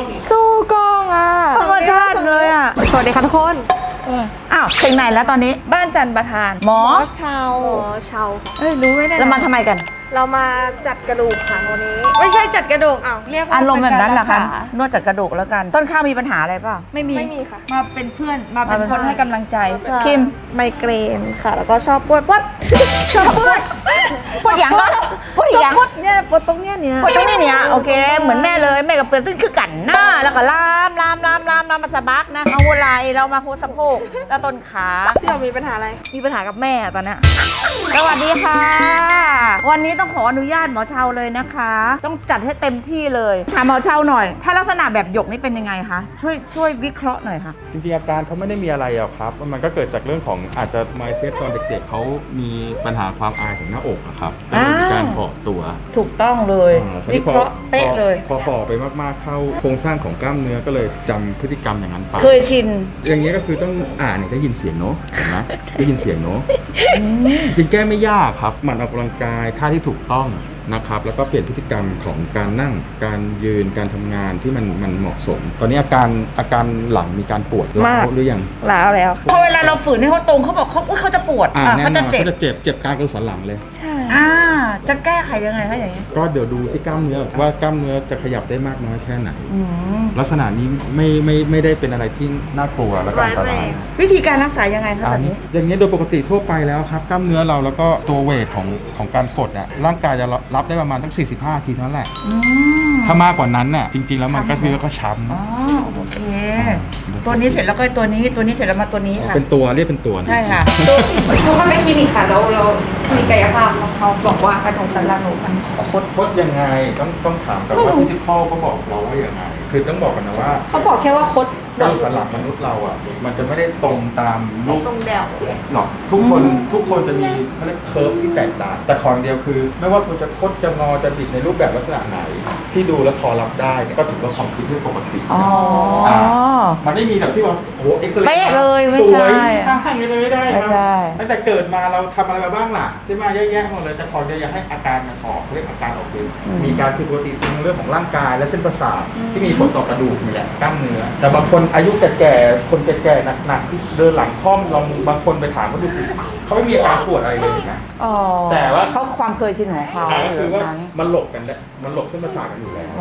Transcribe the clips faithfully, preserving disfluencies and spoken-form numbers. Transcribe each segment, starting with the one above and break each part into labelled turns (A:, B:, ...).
A: สู้กองอ่ะธรรมชาติเลยอ่ะสวัสดีค่ะทุกคนอ้าวถึงไหนแล้วตอนนี้
B: บ้านจันประธาน
A: หมอ
B: ชาว
C: หมอชาว
B: เอ้ยรู้ไหมเนี่ย
A: เรามาทำไมกัน
C: เรามาจัดกระดูกค่ะวันนี้
B: ไม่ใช่จัดกระดูกอ้าวเรียกว่า
A: อารมณ์แบบนั้นเหรอคะนวดจัดกระดูกแล้วกัน ต้นข้าวมีปัญหาอะไรเปล่า
B: ไม่มี
C: ไม่มีค่ะ
B: มาเป็นเพื่อนมาเป็นคนให้กำลังใจ
A: คิม
C: ไมเกรนค่ะแล้วก็ชอบปวดปวด
A: ชอบปวดปวดอย่างก็ปวดอย่าง
B: ปวดเนี่ยปวดตรงเนี้ยเนี่ย
A: ปวดตรงนี้เนี่ยโอเคเหมือนแม่เลยแม่กับเปลือกตึ้งคือกันหน้าแล้วก็ลามลามลามลามลามมาสะบักนะเอาหัวไหล่เรามาหัวสะโพกแล้วต้นขา
C: พี่เรามีปัญหาอะไร
B: มีปัญหากับแม่ตอนนี้
A: สวัสดีค่ะวันนี้ต้องขออนุญาตหมอเชาเลยนะคะต้องจัดให้เต็มที่เลยถามหมอเชาหน่อยถ้าลักษณะแบบหยกนี่เป็นยังไงคะช่วยช่วยวิเคราะห์หน่อยค่ะ
D: จริงๆอาการเขาไม่ได้มีอะไรหรอกครับมันก็เกิดจากเรื่องของอาจจะ mindset ตอนเด็กๆเขามีปัญหาความอายของหน้าอกครับก็เลยมีการห่อตัว
A: ถูกต้องเลยวิเคราะห์เป๊ะเลย
D: พอห่อไปมากๆเข้าโครงสร้างของกล้ามเนื้อก็เลยจำพฤติกรรมอย่างนั้นไป
A: เคยชิน
D: อย่างนี้ก็คือต้องอ่านได้ยินเสียงเนาะเห็นไหมได้ยินเสียงเนาะจริงแก้ไม่ยากครับหมั่นออกกำลังกายท่าที่ถูกต้องนะครับแล้วก็เปลี่ยนพฤติกรรมของการนั่งการยืนการทำงานที่มันมันเหมาะสมตอนนี้อาการอาการหลังมีการปวดร้าวหรือยัง
C: ร้าวแล้ว
A: พอเวลาเราฝืนให้เขาตรงเขาบอกเขาเขาจะปวด
D: อ่าเขา
A: จะเจ็บ
D: เขาจะเจ็บเจ็บกลางกระดูกสันหลังเลย
C: ใช่
A: อ่าจะแก้ไขยังไงคะอย่างนี้
D: ก็เดี๋ยวดูที่กล้ามเนื้อว่ากล้ามเนื้อจะขยับได้มากน้อยแค่ไหนลักษณะนี้ไม่ไม่ไม่ได้เป็นอะไรที่น่ากลัวและอันตราย
A: วิธีการรักษายังไงคะแบบนี้
D: อย่างนี้โดยปกติทั่วไปแล้วครับกล้ามเนื้อเราแล้วก็ตัวเวทของของการกดเนี่ยร่างกายจะรับได้ประมาณตั้งสี่สิบห้าทีเท่านั้นแหละถ้ามากกว่านั้นน่ะจริงๆแล้วมันก็คือก็ช้ำ
A: อ๋อโอเคตัวนี้เสร็จแล้วก็ตัวนี้ตัวนี้เสร็จแล้วมาตัวนี้ค่ะ
D: เป็นตัวเรียกเป็นตัว
A: ใช่ค่ะ
B: ทุกคนไปคลินิกค่ะแล้วเราคลินิกกายภาพเขาบอกว่ากระดูกสันหลังหนูมันคด
D: คดยังไงต้องต้องถามกันว่าพิธีข้อเขาบอกเราว่าอย่างไรคือต้องบอกกันนะว่า
B: เขาบอกแค่ว่าคด
D: กระดูกสันหลังมนุษย์เราอ่ะมันจะไม่ได้ตรงตามรูป
C: ตรงแดว
D: หรอกทุกคนทุกคนจะมีเขาเรียกเคิร์ฟที่แตกต่างแต่ของเดียวคือไม่ว่าคุณจะคดจะงอจะบิดในรูปแบบลักษณะไหนที่ดูแล้วพอรับได้ก็ถือว่าความคิดที่ปกติ
A: อ๋อ
D: มันไม่มีแบบที่ว่าโอ้เอ็กซ์เรย์
A: เป๊ะเลยไม่
D: ใช่ข้างๆเลยไม่ได้ครับ
A: ใช่
D: ตั้งแต่เกิดมาเราทำอะไรมาบ้างล่ะใช่ไหมแยกๆหมดเลยแต่ของเดียวอยากให้อาการมันออกเรียกอาการออกเป็นมีการผิดปกติในเรื่องของร่างกายและเส้นประสาทที่มีผลต่อกระดูกนี่แหละกล้ามเนื้อแต่บางคนอายุแก่ๆคนแก่ๆหนักๆที่เดินหลังค่อมลองบางคนไปถามเขาดูสิเขาไม่มีอาการปวดอะไรเลยนะแต่ว่า
A: เขาความเคยชินของเขา
D: คือว่ามันหลบกันได้มันหลบเส้นประสาทกันอยู่แล้ว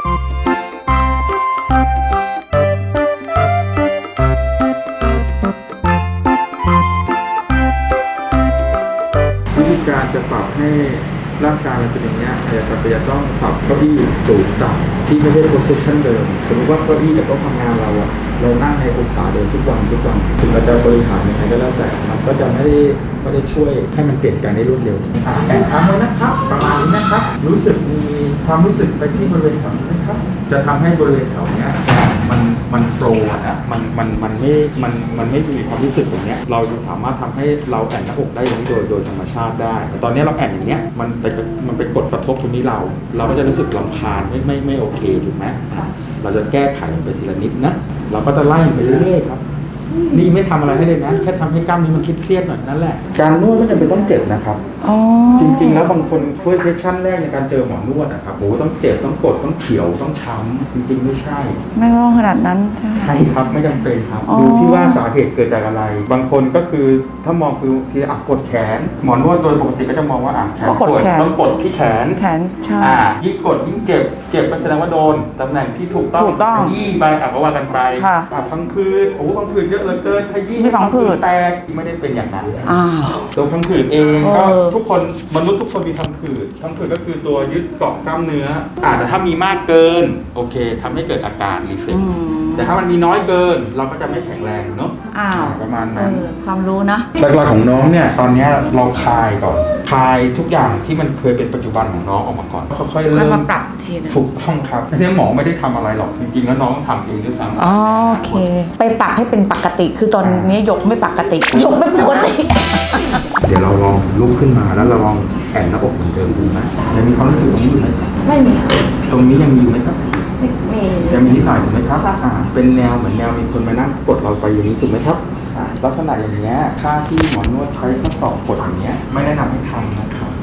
D: วิธีการจะปรับให้ร่างกายมันเป็นอย่างนี้อาจจะจะต้องปรับเก้าอี้สูงต่ำที่ไม่ใช่ position เดิมสมมติว่าเก้าอี้กับโต๊ะทำงานเราอะเรานั่งในองศาเดิมทุกวันทุกวันถึงเราจะบริหารยังไงก็แล้วแต่มันก็จะไม่ได้ไม่ได้ช่วยให้มันเปลี่ยนแปลงได้รวดเร็วแต่ครั้งเลยนะครับประมาณนี้นะครับรู้สึกมีความรู้สึกไปที่บริเวณแถวนี้นะครับจะทำให้บริเวณแถวนี้มันมันโฟล์นะมันมันมันไม่มันมันไม่มีความรู้สึกแบบนี้เราจะสามารถทำให้เราแอนหน้าอกได้อย่างนี้โดยโดยธรรมชาติได้แต่ตอนนี้เราแอนอย่างเนี้ยมันไปมันไปกดกระทบตรงนี้เราเราก็จะรู้สึกรำคาญไม่ไม่ไม่โอเคถูกไหมเราจะแก้ไขมันไปทีละนิดนะเราก็จะไล่ไปเรื่อยๆครับนี่ไม่ทำอะไรให้เลยนะแค่ทำให้กล้ามนี้มันเครียดๆหน่อยนั่นแหละการนวดไม่จำเป็นต้องเจ็บนะครับจริงๆแล้วบางคนเฟิร์สเซสชั่นแรกในการเจอหมอนวดนะครับโอ้ต้องเจ็บต้องกดต้องเขียวต้องช้ำจริงๆไม่ใช่
A: ไม่ต้องขนาดนั้น
D: ใช่ครับไม่จำเป็นครับดูที่ว่าสาเหตุเกิดจากอะไรบางคนก็คือถ้ามองคือทีอ่ะกดแขนหมอนวดโดยปกติก็จะมองว่าอ่ะแขนปวดต้องกดที่แขน
A: แขนใช่
D: อ่ายิ่งกดยิ่งเจ็บเจ็บก็แสดงว่าโดนตำแหน่งที่ถูกต้อง
A: ถูกต้อง
D: ยี่ไปอ่ะก็ว่ากันไปอ่ะพังผืดโอ้พังผืดเยอะเหลือเกินขยี้
A: พังผืด
D: แตกไม่ได้เป็นอย่างนั้น
A: อ้าว
D: ตัวพังผืดเองก็ทุกคนมนุษย์ทุกคนมีพังผืดพังผืดก็คือตัวยึดเกาะกล้ามเนื้ออาจจะถ้ามีมากเกินโอเคทำให้เกิดอาการรีเฟล็กซ์แต่ถ้ามันมีน้อยเกินเราก็จะไม่แข็งแรงเนาะประมาณนั้น
A: ความรู้นะ
D: หลักๆของน้องเนี่ยตอนนี้เราคลายก่อนคลายทุกอย่างที่มันเคยเป็นปัจจุบันของน้องออกมาก่อนค่อยๆเริ่ม
A: มาปรับทีนึง
D: ถูกต้องครับที่หมอไม่ได้ทำอะไรหรอกจริงๆแล้วน้องทำเองด้วยซ้ำ
A: อ๋อโอเคไปปรับให้เป็นปกติคือตอนนี้ยกไม่ปกติยกไม่ปกติ
D: เดี๋ยวเราลองลุกขึ้นมาแล้วเราลองแอนหน้าอกเหมือนเดิมดูไหมยังมีความรู้สึกตรงนี้อยู่ไหม
B: ไม่มี
D: ตรงนี้ยังมีอยู่ไหมครับ
B: มี
D: ยังมีนิดหน่อยถูกไหมครับอ่าเป็นแนวเหมือนแนวมีคนมานั่งกดเราไปอย่างนี้ถูกไหมครับลักษณะอย่างนี้ถ้าที่หมอนวดใช้ข้อศอกกดอย่างนี้ไม่แนะนำให้ทำนะครับ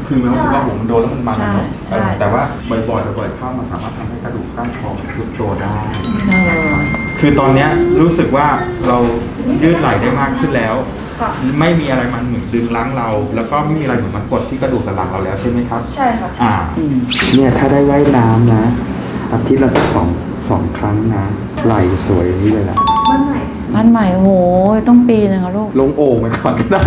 D: คือมันรู้สึกว่าหัวมันโดนแล้วมันมัน
A: ใช่
D: เนาะ
A: ใช่
D: เออแต่ว่าบ่อยๆบ่อยๆเข้ามันสามารถทำให้กระดูกก้านคอมันทรุดตัวได้
A: เออ
D: คือตอนเนี้ยรู้สึกว่าเรายืดไหล่ได้มากขึ้นแล้ว
B: ค่ะ
D: ไม่มีอะไรมันเหมือนดึงล้างเรา แล้วก็ไม่มีอะไรเหมือนมันกดที่กระดูกสันหลังเราแล้วใช่ไหมครับ
B: ใช่ค่ะ
D: อ่า
A: อืม
D: เนี่ยถ้าได้ว่ายน้ำนะอาทิตย์ละสักสองสองครั้งนะไหล่สวยอย่างนี้เลยแหละ
B: มันใหม่
A: บ้านใหม่โอ้โหต้องปีนึงอะลูก
D: ลงโอ่งไปก่อนก็ได้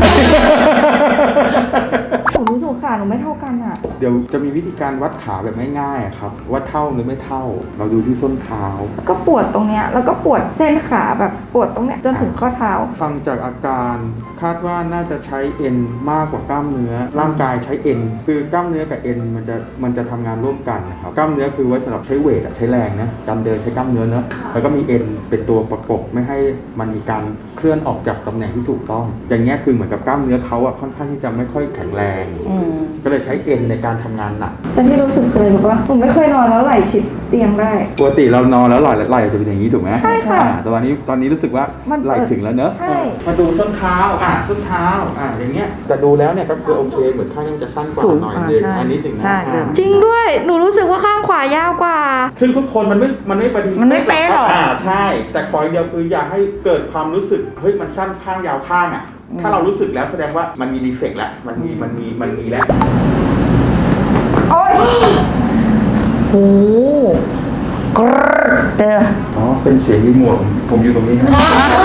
B: หนูรู้สึกขาหนูไม่เท่ากันอ่ะ
D: เดี๋ยวจะมีวิธีการวัดขาแบบง่ายๆอะครับว่าเท่าหรือไม่เท่า เราดูที่ส้นเท้า
B: ก็ปวดตรงเนี้ยแล้วก็ปวดเส้นขาแบบปวดตรงเนี้ยจนถึงข้อเท้า
D: ฟังจากอาการคาดว่าน่าจะใช้เอ็นมากกว่ากล้ามเนื้อ ร่างกายใช้เอ็นคือกล้ามเนื้อกับเอ็นมันจะมันจะทำงานร่วมกันนะครับกล้ามเนื้อคือไว้สำหรับใช้เวทอะใช้แรงนะการเดินใช้กล้ามเนื้อเนอะแล้วก็มีเอ็นเป็นตัวประกบไม่ให้มันมีการเคลื่อนออกจากตำแหน่งที่ถูกต้อง อย่างเงี้ยคือเหมือนกับกล้ามเนื้อเขาอะค่อนข้างที่จะไม่ค่อยแข็งแรง
A: อืม
D: ก็เลยใช้เอ็นในการทำงานหนัก
B: แต่ที่รู้สึกเคยรู้ว่าหนูไม่เคยนอนแล้วไหล่ชิดเตียงได้
D: ปกติเรานอนแล้วไหล่ไหล่จะเป็นอย่างนี้ถูกไหม
B: ใช่ค่ะ
D: อ่าแต่ตอนนี้ตอนนี้รู้สึกว่า
B: มันเปิด
D: ไหล่ถึงแล้วเนอะ
B: ใช่
D: มาดูส้นเท้าอ่าส้นเท้าอ่าอย่างเงี้ยแต่ดูแล้วเนี่ยก็คือโอเคเหมือนข้างนี้มันจะสั้นกว่า
A: สูง
D: หน่อย
A: อ่า
D: นึง
A: ใช่
D: อันนิดหนึ่งนะ
A: ใช่
D: อ่า
A: เดิม
B: จริงด้วย หนูรู้สึกว่าข้างขวายาวกว่า
D: ซึ่งทุกคนมันไม่มันไม่ประดี
A: มันไม่เป๊ะหรอก
D: อ่าใช่ แต่ขออย่างเดียวคืออยากให้เกิดความรู้สึกเฮ้ยมันสั้นข้างยาวข้างอ่ะถ้าเรารู้สึกแล้วแสดงว่ามันมีดีเฟกต์แล้วมันมีมันมีมันมีแล้ว
B: โอ๊ย
A: โอ้โหกรดเด้อ
D: อ๋อเป็นเสียงรีโมทผมผมอยู่ตรงนี้นะ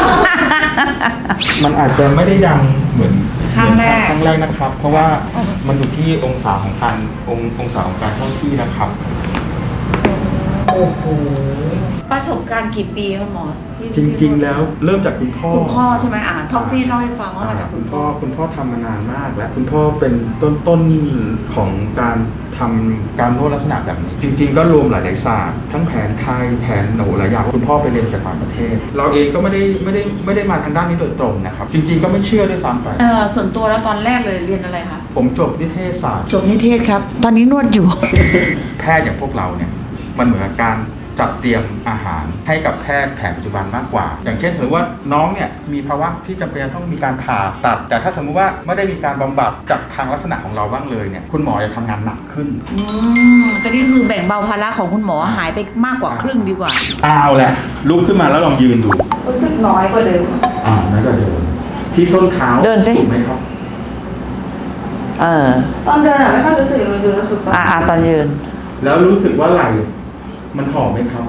D: มันอาจจะไม่ได้ดังเหมือน
A: ครั้งแรก
D: ครั้งแรกนะครับ เพราะว่ามันอยู่ที่องศาของการององศาของการเข้าที่นะครับ
A: โอ้โหประสบการณ์กี่ปีครับหมอที่
D: จริง ๆ แล้วเริ่มจากคุณพ่อ
A: คุณพ่อใช่ไหมอ่าท็อฟฟี่เล่าให้ฟังว่ามาจากคุณพ่อ
D: คุณพ่อทำมานานมากแล้วคุณพ่อเป็นต้นต้นของการทำการนวดลักษณะแบบนี้ จริง ๆ ก็รวมหลายๆศาสตร์ทั้งแผนไทยแผนโหนหลายอย่างคุณพ่อไปเรียนจากต่างประเทศ เราเองก็ไม่ได้ไม่ได้ไม่ได้มาทางด้านนี้โดยตรงนะครับ จริง ๆ ก็ไม่เชื่อด้วยซ้ำไป
A: เออส่วนตัวแล้วตอนแรกเลยเรียนอะไรคะ
D: ผมจบนิเทศศาสตร์
A: จบนิเทศครับ ตอนนี้นวดอยู่
D: แพทย์อย่างพวกเราเนี่ยมันเหมือนกับการจัดเตรียมอาหารให้กับแพทย์แผนปัจจุบันมากกว่า อย่างเช่นสมมติว่าน้องเนี่ยมีภาวะที่จำเป็นต้องมีการผ่าตัด แต่ถ้าสมมุติว่าไม่ได้มีการบำบัดจากทางลักษณะของเราบ้างเลยเนี่ยคุณหมอจะทำงานหนักขึ้น
A: อืมแต่นี่คือแบ่งเบาภาระของคุณหมอหายไปมากกว่าครึ่งดีกว่า
D: เอาแหละลุกขึ้นมาแล้วลองยืนดู
B: รู้สึกน้อยกว่าเดิม
D: อ่านั่นก็เดินที่ส้นเท้า
A: เดินสิ
D: ถูกไหมครับ
A: เออ
B: ตอนเดินอะไม่ค่อยรู้สึกเลยดูรู้สึกตอน
A: อ่าอ่าตอนยืน
D: แล้วรู้สึกว่าไหล่มันหอมไหมครับ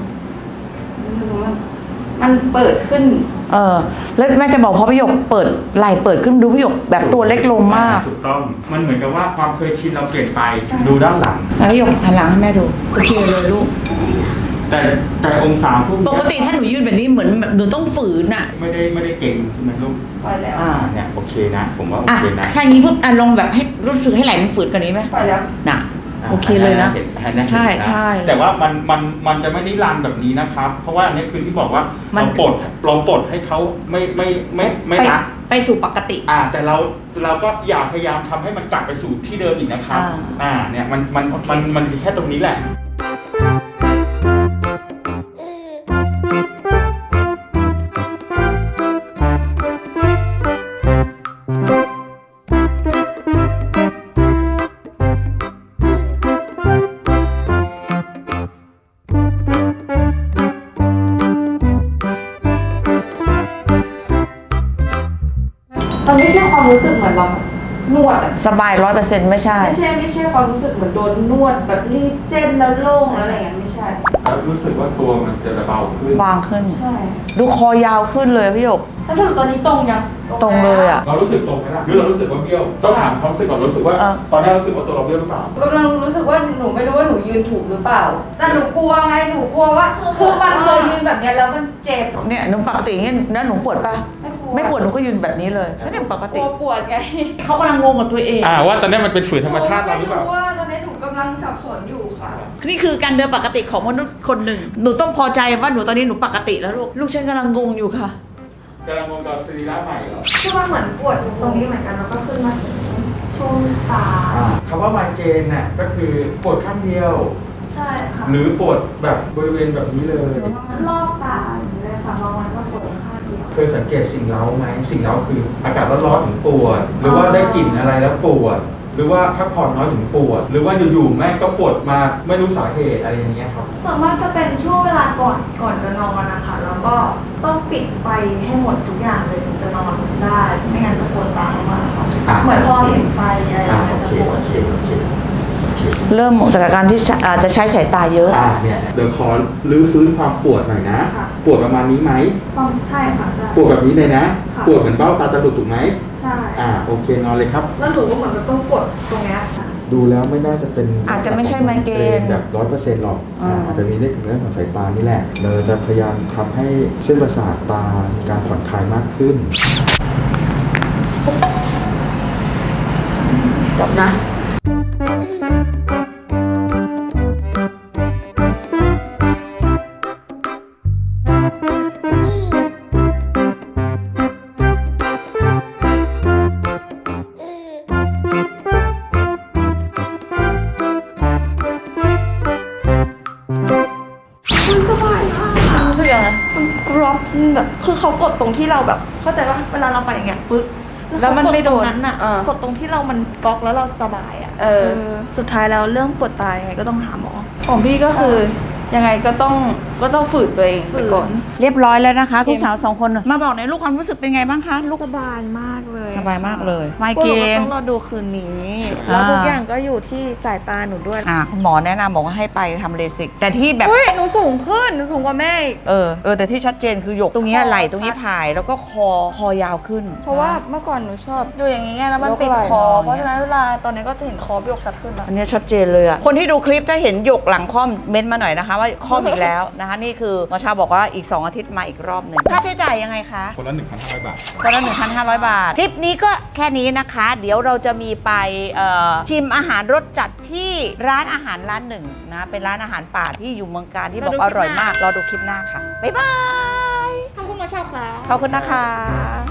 B: มันเปิดขึ้น
A: เออ แล้วแม่จะบอกพอพี่หยกเปิดไหล่เปิดขึ้นดูพี่หยกแบบตัวเล็กลงมาก
D: ถูกต้องมันเหมือนกับว่าความเคยชินเราเปลี่ยนไปดูด้านหลัง
A: แล้วพี่หยกหันหลังให้แม่ดูโอเคเลยลูก
D: แต่แต่องศาพวก
A: ป
D: เนี้ย
A: กติถ้าหนูยืนแบบนี้เหมือนแบบหนูต้องฝืนอ่ะ
D: ไม่ได้ไม่ได้เก่งใช่ไหมลูก
B: ปล่อยแล้ว
A: อ่า
D: อ่าเนี่ยโอเคนะ ผมว่าโอ
A: อ่ะ
D: เคนะ
A: ถ้าอย่างนี้ปุ๊บอ่ะลองแบบให้รู้สึกให้ไหล่มันฝืนกว่านี้ไหม
B: ปล่อยแล้ว
A: น่ะ
D: า
A: โอเคเลยนะ
D: ห็ห็นนะ
A: ใช่
D: เห็นนะ
A: ใช่
D: แต่ว่ามันมันมันจะไม่ได้รันแบบนี้นะครับ เพราะว่าอันนี้คือที่บอกว่า
A: มัน
D: เราปลดเราปลดให้เขาไม่ไม่ไม่ไม่
A: ไป
D: รัด
A: ไปสู่ปกติ
D: อ่าแต่เราเราก็อย่าพยายามทำให้มันกลับไปสู่ที่เดิมอีกนะครับ
A: อ่า
D: อ่าเนี่ยมันมันมันมันมีแค่ตรงนี้แหละ
B: มันไม่ใช่ความรู้สึกเหมือนเรานวดอะ
A: สบายร้อยเปอร์เซ็นต์ไม่ใช่
B: ไม่ใช่ไม่ใช่ความรู้สึกเหมือนโดนนวดแบบรีดเส้นแล้วโล่งแล้วอะไรอย่างเงี้ยไม่ใช่
D: แล้วรู้สึกว่าตัวมันจะเบาขึ้น
A: บางขึ้น
B: ใช่
A: ดูคอยาวขึ้นเลยพี่หยก
B: ถ้าสรุปตอนนี้ตรงยัง
A: ตรงเลยอะ
D: เรารู้สึกตรงไหมล่ะหรือเรารู้สึกว่าเบี้ยวต้องถามความรู้สึกก่อนรู้สึกว่า
A: เออ
D: ตอนนี้รู้สึกว่าตัวเราเบี้ยวหรือเปล่า
B: กำลังรู้สึกว่าหนูไม่รู้ว่าหนูยืนถูกหรือเปล่า แต่หนูกลัวไงหนูกลัวว่าคือมันเคยยืนแบบเนี้ยแล้วมันเจ็บ
A: เนี่ยหนูปกติอย่างเงี้ยแล้วหนูปวดปะ
B: ไม่ปวด
A: ไม่ปวดหนูก็ยืนแบบนี้เลยก็เนี่ยปก
B: ก
A: ติ
B: ลัวปวดไง
A: เขากำลังงงกับตัวเอง
D: อ่าว่าตอนนี้มันเป็นฝืนธรรมชาติเราหรือเปล่า
B: ไม่รู้ว่าตอนนี้หนูกำลังสับสนอยู่ค่ะ
A: นี่คือการเดินปกติของมนุษย์คนหนึ่ง หนูต้องพอใจว่าหนูตอนนี้หนูปกติแล้วลูก ลูกฉันกำลังงงอยู่ค่ะ
D: กำลังมองกับสรีระใหม่เหรอ
B: คือมันเหมือนปวดตรงนี้เหมือนกันแล้วก็ขึ้นมาถึงช่วงตา
D: คำว่าไมเกรนน่ะก็คือปวดข้างเดียว
B: ใช่ค่ะ
D: หรือปวดแบบบริเวณแบบนี้เลย
B: รอบตาอย่างนี้เลยค่ะบางวันก็ปวดข้างเดียว
D: เคยสังเกตสิ่งเร้าไหมสิ่งเร้าคืออากาศร้อนๆถึงปวด หรือว่าได้กลิ่นอะไรแล้วปวดหรือว่าพักผ่อนน้อยถึงปวด หรือว่าอยู่ๆแม่งก็ปวดมาไม่รู้สาเหตุอะไรอย่างเงี้ยครับ
C: ส่วนมากจะเป็นช่วงเวลาก่อนก่อนจะนอนนะคะแล้วก็ต้องปิดไฟให้หมดทุกอย่างเลยถึงจะนอนได้ไม่งั้นจะปวดตามากค่ะ
D: อ่ะ
C: เหมือนพอเห็นไฟอะไร
D: อ่า
C: มัน
D: โอ
C: จะ
D: เค
C: ปว
D: โอ
C: ด
D: เคโอเคโอเค
A: เริ่มจากการที่อาจจะใช้สายตาเยอะ
D: อ่าเนี่ยเดี๋ยวขอรื้อฟื้นความปวดหน่อยนะ ปวดประมาณนี้ไหม
C: ต้องใช่ค่ะใช่
D: ปวดแบบนี้เลยนะ
C: ค่ะ
D: ปวดเหมือนเบ้าตาจะหลุดถูกไหม
C: ใช่
D: อ่าโอเคนอนเลยครับ
C: แล้วหนูก็เหมือนมันต้องกดตรงเนี้ยค่ะ
D: ดูแล้วไม่น่าจะเป็น
A: อาจจะไม่ใช่ไมเกรน
D: แบบร้อยเปอร์เซ็นต์หรอก
A: อ่า
D: อาจจะมีเรื่องของเรื่องของสายตานี่แหละ เราจะพยายามทำให้เส้นประสาทตามีการผ่อนคลายมากขึ้น
A: จบนะ
C: มันสบายมากค่ะ
B: รู้สึกยังไง
C: มันกรอบแบบคือเขากดตรงที่เราแบบ เข้าใจว่าเวลาเราไปอย่างเงี้ยปึ๊ก
B: แล้วมันไม่โดน
C: เขากตรงนั้นอ่ะ
B: อ่าก
C: ดตรงที่เรามันก๊อกแล้วเราสบายอ่ะ
B: เออ
C: สุดท้ายแล้วเรื่องปวดตายังไงก็ต้องหาหมอ
B: ของพี่ก็คือยังไงก็ต้องก็ต้องฝืนตัวเองไปก่อน
A: เรียบร้อยแล้วนะคะลูกสาวสองคนมาบอกในอยลูกความรู้สึกเป็นไงบ้างคะลูก
C: สบายมากเลย
A: สบายมากเลยไม
C: ปว
A: เก
C: ด
A: ร
C: ก็
A: น
C: ต้องรอดูคืนนี้
A: อ่า
C: แล้วทุกอย่างก็อยู่ที่สายตาหนูด้วย
A: อ่ะคุณหมอแนะนำบอกว่าให้ไปทำเลสิก แต่ที่แบบ
B: อุ้ยหนูสูงขึ้นหนูสูงกว่าแม่อีก
A: เออเออแต่ที่ชัดเจนคือหยกตรงเนี้ย
C: คอ
A: ไหล่ตรงนี้
C: ชัด
A: ผายแล้วก็คอคอยาวขึ้น
B: เพราะว่าเมื่อก่อนหนูชอบ
C: อยู่อย่างนี้ไงแล้วมัน
B: ยก
C: ปิด
B: ไหล่
C: คอ
B: นอน
C: เพราะฉะนั้นเวลาตอนนี้ก็จะเห็นคอพี่ยกชัดขึ้นแล้ว
A: อันเนี้ยชัดเจนเลยอะคนที่ดูคลิปถ้าเห็นหยกหลังค่อมเม้นต์มาหน่อยนะคะ ว่าค่อมอีกแล้วนะคะนี่คือหมอชาบอกว่าอีก สอง อาทิตย์มาอีกรอบหนึ่งค่าใช้จ่ายยังไงคะ
D: คนละ หนึ่งพันห้าร้อย บาท
A: คนละ หนึ่งพันห้าร้อย บาท คลิปนี้ก็แค่นี้นะคะ เดี๋ยวเราจะมีไปเอ่อชิมอาหารรสจัดที่ร้านอาหารร้านหนึ่งนะ เป็นร้านอาหารป่าที่อยู่เมืองการที่บอกว่าอร่อยมาก รอดูคลิปหน้าค่ะ บ๊ายบาย
B: ขอบคุณมาชอบค่ะ
A: ขอบคุณนะคะ